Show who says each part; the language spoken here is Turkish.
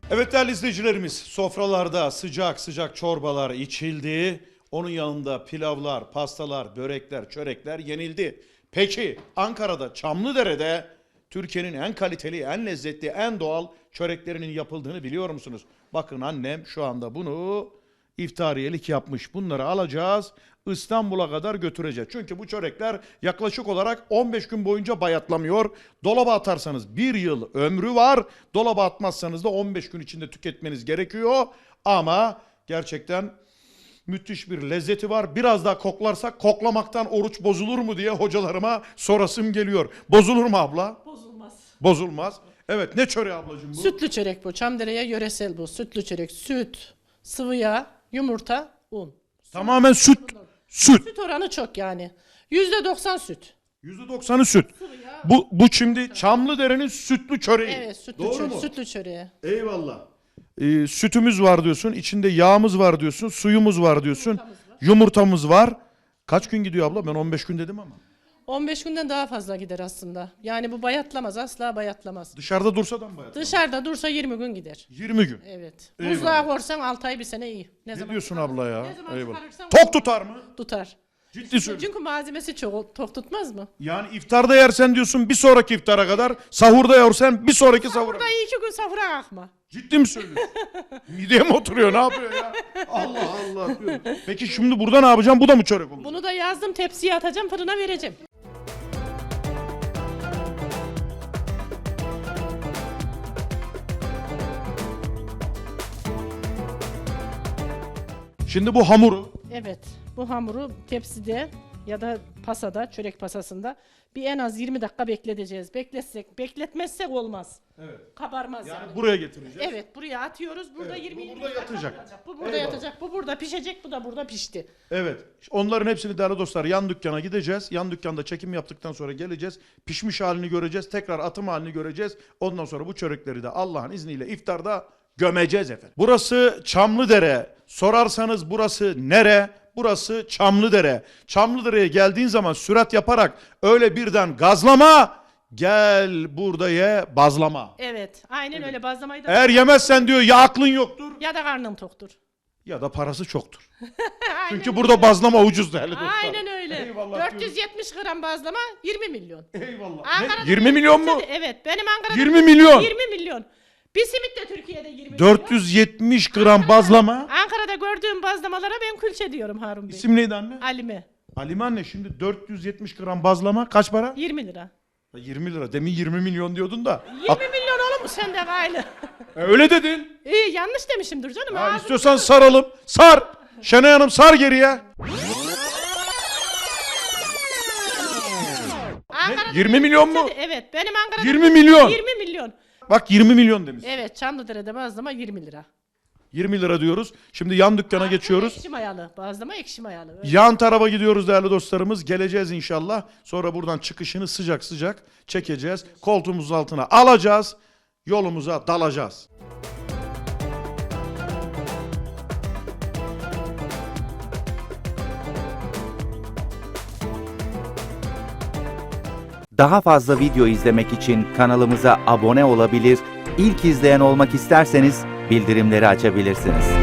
Speaker 1: Evet değerli izleyicilerimiz, sofralarda sıcak sıcak çorbalar içildi. Onun yanında pilavlar, pastalar, börekler, çörekler yenildi. Peki Ankara'da Çamlıdere'de Türkiye'nin en kaliteli, en lezzetli, en doğal çöreklerinin yapıldığını biliyor musunuz? Bakın annem şu anda bunu iftariyelik yapmış. Bunları alacağız, İstanbul'a kadar götüreceğiz. Çünkü bu çörekler yaklaşık olarak 15 gün boyunca bayatlamıyor. Dolaba atarsanız 1 yıl ömrü var. Dolaba atmazsanız da 15 gün içinde tüketmeniz gerekiyor. Ama gerçekten müthiş bir lezzeti var. Biraz daha koklarsak koklamaktan oruç bozulur mu diye hocalarıma sorasım geliyor. Bozulur mu abla?
Speaker 2: Bozulmaz.
Speaker 1: Bozulmaz. Evet, ne çöreği ablacığım bu?
Speaker 2: Sütlü çörek bu. Çamdere'ye yöresel bu. Sütlü çörek. Süt, sıvı yağ, yumurta, un.
Speaker 1: Tamamen süt. Süt.
Speaker 2: Süt oranı çok yani. %90 süt.
Speaker 1: %90'ı süt. Bu şimdi Çamlıdere'nin sütlü çöreği.
Speaker 2: Evet, sütlü
Speaker 1: Doğru
Speaker 2: çörek.
Speaker 1: mu?
Speaker 2: Sütlü çöreği.
Speaker 1: Eyvallah. Sütümüz var diyorsun, içinde yağımız var diyorsun, suyumuz var diyorsun, yumurtamız var. Kaç gün gidiyor abla? Ben 15 gün dedim ama.
Speaker 2: 15 günden daha fazla gider aslında. Yani bu bayatlamaz. Asla bayatlamaz.
Speaker 1: Dışarıda dursa da mı bayat?
Speaker 2: Dışarıda dursa 20 gün gider.
Speaker 1: 20 gün.
Speaker 2: Evet.
Speaker 1: Eyvallah.
Speaker 2: Buzluğa korsan 6 ay bir sene iyi.
Speaker 1: Ne
Speaker 2: zaman
Speaker 1: diyorsun
Speaker 2: çıkarırsan-
Speaker 1: abla ya?
Speaker 2: Ne zaman
Speaker 1: Eyvallah.
Speaker 2: çıkarırsan
Speaker 1: Tok tutar mı?
Speaker 2: tutar.
Speaker 1: Ciddi söylüyorum.
Speaker 2: Çünkü malzemesi çok tok tutmaz mı?
Speaker 1: Yani iftarda yersen diyorsun bir sonraki iftara kadar, sahurda yersen bir sonraki sahura.
Speaker 2: Burada 2 gün sahura kalkma.
Speaker 1: Ciddi mi söylüyorsun? Mideye mi oturuyor? Ne yapıyor ya? Allah Allah diyorum. Peki şimdi burada ne yapacağım? Bu da mı çörek olacak?
Speaker 2: Bunu da yazdım, tepsiye atacağım, fırına vereceğim.
Speaker 1: Şimdi bu hamuru
Speaker 2: Evet, bu hamuru tepside ya da pasada, çörek pasasında bir en az 20 dakika bekleteceğiz. Bekletmezsek olmaz.
Speaker 1: evet.
Speaker 2: Kabarmaz yani.
Speaker 1: Yani buraya getireceğiz.
Speaker 2: Evet, buraya atıyoruz. Burada
Speaker 1: Evet,
Speaker 2: 20
Speaker 1: bu burada
Speaker 2: dakika
Speaker 1: yatacak.
Speaker 2: kalacak. Bu burada
Speaker 1: Eyvallah.
Speaker 2: yatacak. Bu burada pişecek. Bu da burada pişti.
Speaker 1: Evet. Onların hepsini değerli dostlar yan dükkana gideceğiz. Yan dükkanda çekim yaptıktan sonra geleceğiz. Pişmiş halini göreceğiz. Tekrar atım halini göreceğiz. Ondan sonra bu çörekleri de Allah'ın izniyle iftarda gömeceğiz efendim. Burası Çamlıdere. Sorarsanız burası nere? Burası Çamlıdere. Çamlıdere'ye geldiğin zaman sürat yaparak öyle birden gazlama. Gel burada ye bazlama.
Speaker 2: Evet, aynen öyle. Bazlamayı da
Speaker 1: Eğer yemezsen diyor ya aklın yoktur
Speaker 2: ya da karnım toktur.
Speaker 1: ya da parası çoktur.
Speaker 2: Aynen
Speaker 1: Çünkü
Speaker 2: öyle.
Speaker 1: burada bazlama ucuz değerli dostlar.
Speaker 2: Aynen öyle.
Speaker 1: Eyvallah
Speaker 2: 470 gram bazlama 20 milyon.
Speaker 1: Eyvallah.
Speaker 2: Ankara'da
Speaker 1: Ne? 20 milyon mu?
Speaker 2: Evet, benim Ankara'da
Speaker 1: 20 milyon.
Speaker 2: 20 milyon. Bir simit de Türkiye'de 20 milyon.
Speaker 1: 470 gram bazlama.
Speaker 2: Ankara'da gördüğüm bazlamalara ben külçe diyorum Harun Bey.
Speaker 1: İsim neydi anne?
Speaker 2: Alime.
Speaker 1: Halime anne, şimdi 470 gram bazlama kaç para?
Speaker 2: 20 lira.
Speaker 1: 20 lira. Demin 20 milyon diyordun da.
Speaker 2: 20 milyon olur mu sende gayrı?
Speaker 1: Öyle dedin.
Speaker 2: İyi, yanlış demişimdir canım.
Speaker 1: Ha,
Speaker 2: Ağzım-
Speaker 1: istiyorsan saralım. Sar. Şenay Hanım sar geriye.
Speaker 2: Ankara'da
Speaker 1: 20 milyon mu?
Speaker 2: Evet, benim Ankara'da
Speaker 1: 20 milyon.
Speaker 2: 20 milyon.
Speaker 1: Bak 20 milyon demiş.
Speaker 2: Evet, Çamlıdere'de bazlama 20 lira.
Speaker 1: 20 lira diyoruz. Şimdi yan dükkana geçiyoruz.
Speaker 2: Ekşi mayalı. Bazlama ekşi mayalı. Öyle.
Speaker 1: Yan tarafa gidiyoruz değerli dostlarımız. Geleceğiz inşallah. Sonra buradan çıkışını sıcak sıcak çekeceğiz. Koltuğumuzun altına alacağız. Yolumuza dalacağız.
Speaker 3: Daha fazla video izlemek için kanalımıza abone olabilir, ilk izleyen olmak isterseniz bildirimleri açabilirsiniz.